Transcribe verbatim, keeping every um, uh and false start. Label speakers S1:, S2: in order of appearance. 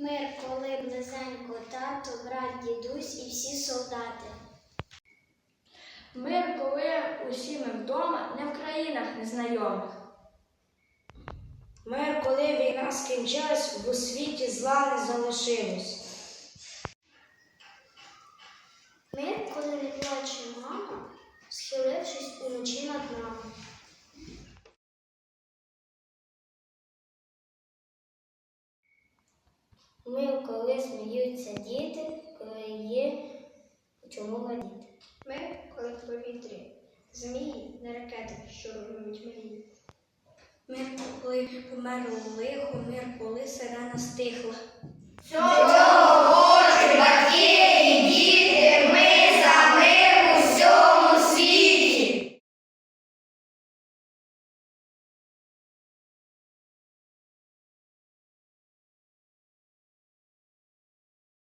S1: Мир, коли близенько тато, брат, дідусь і всі солдати.
S2: Мир, коли усі ми вдома, не в країнах незнайомих.
S3: Мир, коли війна скінчилась, в у світі зла не залишилось.
S1: Мир, коли не плаче мама, схилившись уночі над нами. Мир, коли сміються діти, коли є чому радіти.
S4: Мир, коли в повітрі змії, не ракети, що руйнують мрії.
S3: Мир, коли померло лихо, мир, коли сирена стихла.
S2: Цього